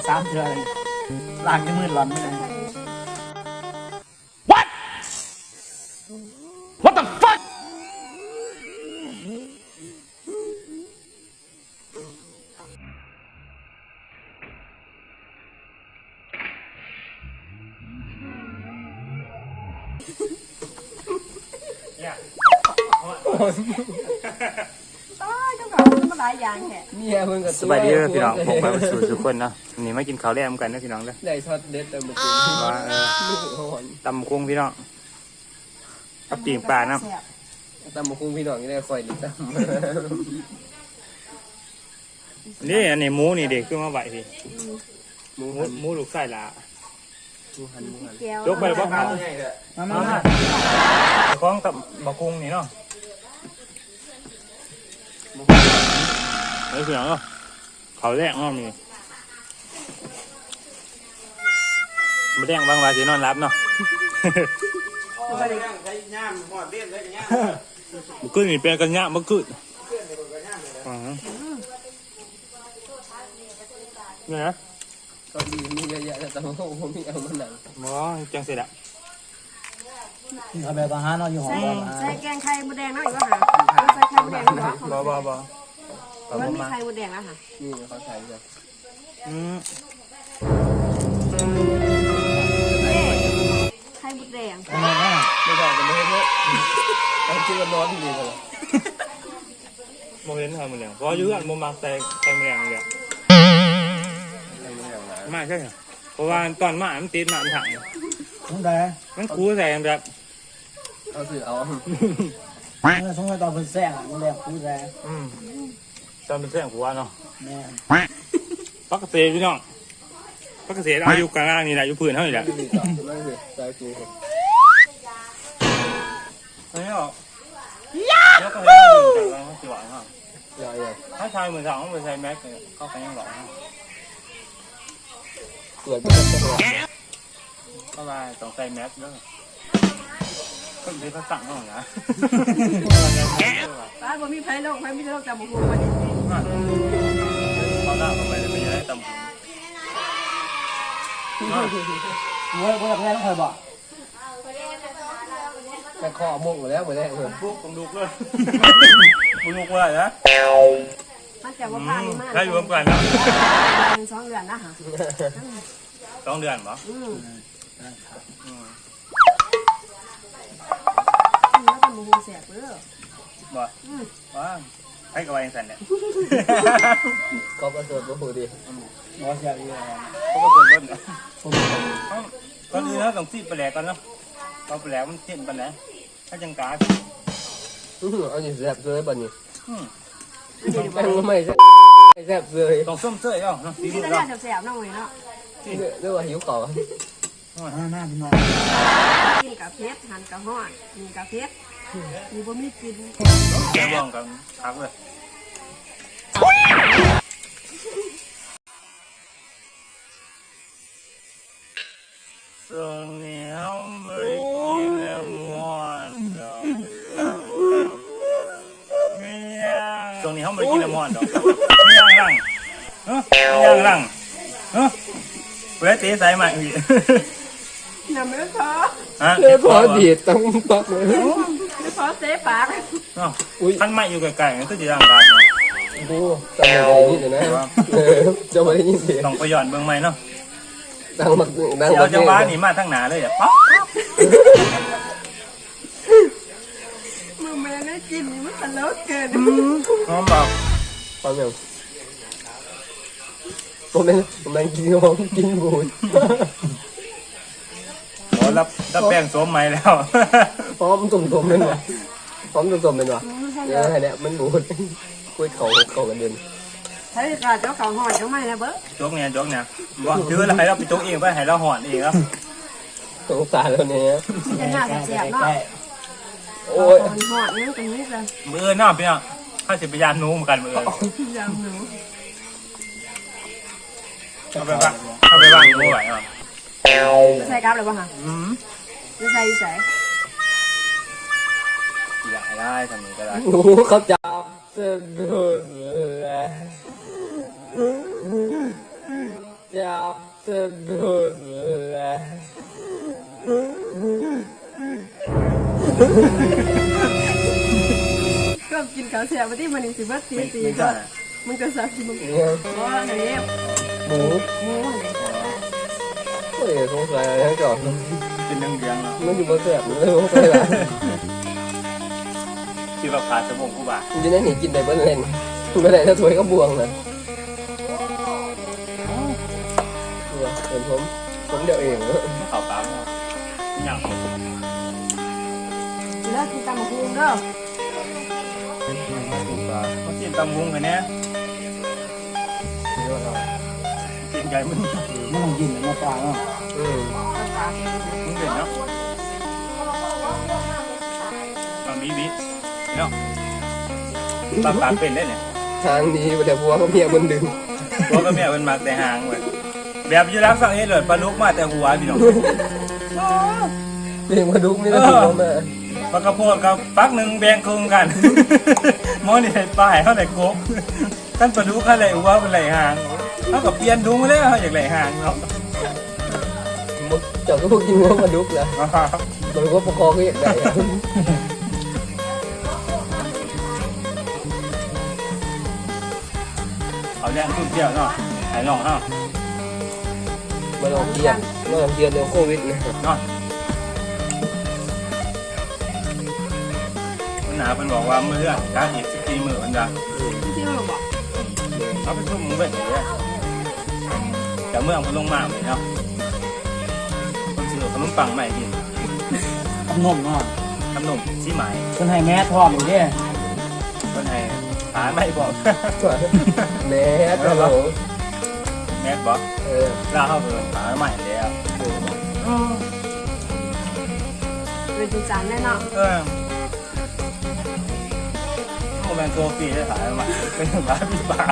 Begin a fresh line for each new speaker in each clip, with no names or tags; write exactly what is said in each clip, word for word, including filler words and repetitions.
สามเทื่อเลยล้างจนมืดร้อนไม่ได้
What What the fuck
ตายเจ้าเขามันหลายอย่างแท้เนี่ยเพิ่งกับ
สบายดีพี่น้องผมไปสู่ทุกคนเนาะนี่มากินข้าวแลมกันนะพี่น้องเด้อ
ได้ช็อตเด็ดแต่เมื่อกี้ว่า
ตำกุ้งพี่น้องกับปีงปลาเนาะ
ตำมะคุ้งพี่น้องนี่ได้คอยดิตำ
นี่อันนี้หมูนี่เด็กขึ้นมาไหวพี่
หมู
หมู
หัน
หมูลูกไส้ละ
หมูหันหมูหัน
ยกไปเลยพ่อครับ
มามามา
คล้องกับบักกุ้งนี่เนาะเฮ้ยพี่น้องเนาะเขาแรกเนาะมีมาแดงบางวันจะนอนรับเนาะมันขึ้นนี่เป็นกันยะมันขึ้นเนี่ยนะ
ก็ดีมีเยอะแยะแต่ตำมะคุ้งผมมีเอามาหนัง
หมอจังเสร็จอะ
เอาแบบอาหารเนาะอยู่ห้อง
ใส่
อาหาร
ใส่แกงไข่มดแดงแล้วอีกว่าหาใส่ไข่มดแดงแล้ว
บ่บ่บ่
มันมีไข่มดแดงแล้วค่ะ
นี่เขาใส่แบบ
อืม
ไข่มดแดง
ทำไมอ่ะ
ไม่ได้กันเลยเนี่ยเอาชื่อร้อนดีเลย
โมเห็นทำมันเลยเพราะยื้ออันโมมาใส่ใส่แมลงเลยไม่ใช่เพราะว่าตอนมามันติดมามันถัง
สงสัย
มันคูใส่แบบ
เอาสื่อเอา
สงสัยตอนเป็นแซงอ่ะมันแดงคู่แซ่
อืมตอนเป็นเส้นหัวเนาะ
แม่
ปักเกษตรพี่น้องปักเกษตรอายุกลางๆนี่แหละอยู่พื้นเท่านี้แหละ
ไม่ดีต่อไม่ดีใจกู
อันนี้หรอแล้วก็ให้ดูจากเราสิหวังฮะ
ใหญ่ใหญ่
ถ้าชายเหมือนสาวต้องไปใส่แม็กเข้าไปยังหล่อ
เกิดเป็นตัว
เข้าไปต้องใส่แม็กด้วยก็เลยเขาสั่งเขานะ
ป้าบ่มีไผ่โลกไผ่ไม่ได้โลกแต่บุกบุกมาดิ
เขาหน้าเข้าไปเลยไปยังไงตำ
เว้ยเว้ยแม่ต้องคอยบอก
แต่คอมุ่งหมดแล้วหมดแล้วเหมือน
พวกผมลุกเลยผมลุกว่านะ
มันจะว่าพานี่มาก
ถ้าอยู่ร่วมกันแล้ว
สองเดือนนะค่ะ
สองเดือนเหรอ
อืมแล้วแต่บุกบุกเสียเปล่า
บ่ว้าให้กับวายสันเนี่ย
เขาประเสริฐก็หูดี
หมอเสียอีกแล้ว
เขาก็เปิดเบิ้ลนะก่อนอื่นเราต้องซีดไปแหลกก่อนเนาะเอาไปแหลกมันเส้นไปแหลกถ้าจังกา
เอาอยู่แซ่บเลยบ้านี้
อืม
แป้งไม่แซ่บแซ่บเลย
ต้องส้มเสื้อเนาะสี
ที่
มือ
จะ
เนาะ
ได้เสียบๆน้องเลยเนาะ
เรียกว่าหิวเก่า
หน้าหน้าพี่น้อง
กินกับเพชรหั่นกับห่อนกินกับเพชรมีบ่มีกิน
แกบ้องกันทักเลยตรงนี้เขาไม่กินแล้วมันตรงนี้เขาไม่กินแล้วมันดอกไม่ย่างร่างเฮ้ยไม่ย่างร่างเฮ้ยเวลาตีใส่มาอีก
น้ำไม่พอ
ฮะ
เรียกพอดีต้องปักเลย
ไม่พอเสียปาก
ท่านไม่อยู่ไกลๆก็จะย่างกัน
ดูจำไม่ได้ยินเลยนะจำไม่ได้ยินเสียง
ต้องไปหย่อนเบื้องไม้เนาะ
ดังมากดัง
เดี๋ย
มาว ก
จังหวะนี่มาทั้งหนาเลยอ่ะป๊อก
มึงแม่ได้กินนี่มันตลกเกิน
น้องบอก
ฟังยังผมนั่งผมนั่งกินของกินบูด
โอ้รับรับแป้งสวมไม้แล้ว
พร้อมตุ่มๆเป็นวะพร้อมตุ่มๆเป็นวะเนี่ยเนี่ยมันบูดคุยเขาเขากันเดิน
ใช้กาเจ้าเขาห่อเจ้าไม่นะเบ้อ
โจ๊กเนี่ยโจ๊กเนี่ยบอกถืออะไรเราไปโจ๊กเองไปให้เราห่อนเองครับ
สงสารแล้วเนี่ย
จะหน้าเสียบเนาะ
โอ้ย
ห่อนนี่ตรงนี้เลย
มือน้าพี่น้องถ้าสิบยานนู้เหมือนกันมือ
ยังหนู
เอาไปบ้างเอาไปบ้างนู้ไหวอ่ะ
ใส่กราฟเลยป่ะคะ
อืม
จะใส่ใส่
อยากได้ทำนี้ก็ได้
หนูเขาจับเส้นเลือดตีจับสะดุดเลย
ก็กินข้าวเสียมาที่มันนี่สิบัดตี
ไม่
ตี
ไม่
ก็
ได้
มันก็สับมัน
เนี่ย
ว่าอันนี้
หมู
หมูนี่
เฮ้ยสงสัยอะไรทั้งจอด
เป็นเรื่องเดียงเนาะ
มันอยู่บนเสือกเลยสงสัยอะไร
ที่ว่าขาดสมองกูบ่า
มันจะได้หนีกินได้เบิ้ลเล่นไม่ได้ถ้าถวยก็บวงนะเห็นผมผมเดี๋ยวเอง
ข่าวตามเนาะหยัง
แล้วกินตำบักหุ่งเด้อ
เขากินตำมุงกันเนี่ยกินไก่มึง
ไม่ต้องกินมาปลาเนาะ
อืม
มึงเห็นเนาะตอนบีบีเนาะตามปากเป็นได้เนี่ย
ทางนี้แต่พัวเขาเมียบนดึง
ตัวก็แม่เป็นมากแต่หางเว้ยแบบอยู่รักสังเกตเลยปลาลุกมาแต่หัวพี่น้อง
เรียกมาดุกนี่ก็ถือว่าแม่
ปลากระโพดกับปักหนึ่งแบ่งครึ่งกัน หมอนี่ใส่ปลายเขาไหนกบขั้นปลาลุกเขาไหนหัวเป็นไหลหางเขากับเปลี่ยนดุงเลยเขาอยากไหลหางเนาะ
เจ้าก็พวกกินว่ามาดุกนะมันก็ประคองก็อย่างไร
เอาแรงทุ่มเที่ยวเนาะหายหลงเนาะ
มาลองเทียนมาลองเทียนเรื่องโควิดนะ
เนาะมันหนาเป็นบอกว่าเมื่อการอีกสิบปีมือมันจะ
ที่เราบอก
เอาไปทุ่มมือไปเลยแต่เมื่อมันลงมาเลยเนาะคนซื้อขนมปังใหม่กิน
ขนมเนาะ
ขนมชี้ไหม
คนให้แม่ทอดอยู่เนี่ย
คนไทยหาไม่บอก
แม่ตลก
แม็กบอก
เออ
ล่าเข้าไปหาใหม่แล้ว
เป็นจานแน่นอน
เออโมเมนต์โซฟีได้หายใหม่เป็นหมาพี่บ่าว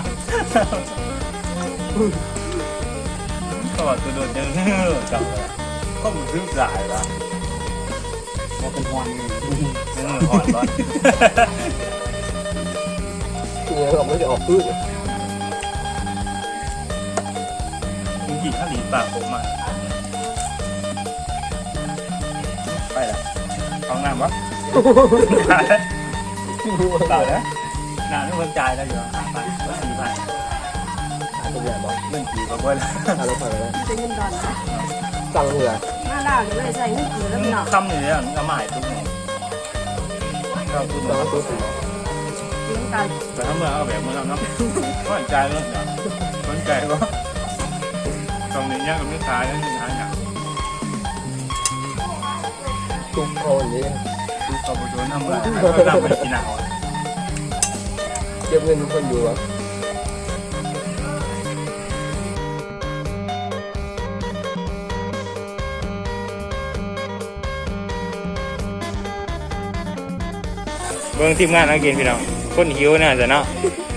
ก็บอกตัวโดนเจอจับก็มือซื้อสายละ
ว่าเป็นฮอนนี่
เนื้อหอนบ้าน
เนี่ยเราไม่ได้ออกพื้น
จริงๆถ้าหลีปากผมอ่ะไปละเอางามวะเปล่าแล้วนานไม่คนจ่ายแล้วอยู่หาพันสี่พัน
ตัวใหญ่บอก
เงินกี่ก็เบิ้ล
ทานรถไฟแล้ว
จะเงินดอนนะ
สั่งเหงื่อ
มาดาวเลยใส่เงินกี่แล้วพี่น้อง
คำอยู่แล้วก็มาหายทุกเนี่ยก็คุณ
สั่งตัวสี
กินกัน
แต่ถ้าเมื่อเอาแบบเมื่อเราเนาะก็ใจเรื่องเนาะสนใจว่าตรงนี้เนี่ยก็ไม่ขายแล้วนี่หาอย่าง
ตุ้มโอนนี่
ดูกระปุกโดนทำอะไรก็นำไปกินเอา
เก็บเงินทุกคนอยู่อ่ะ
เบิ่งทีมงานนักเกณฑ์พี่น้องคนหิวน่าจะเนาะ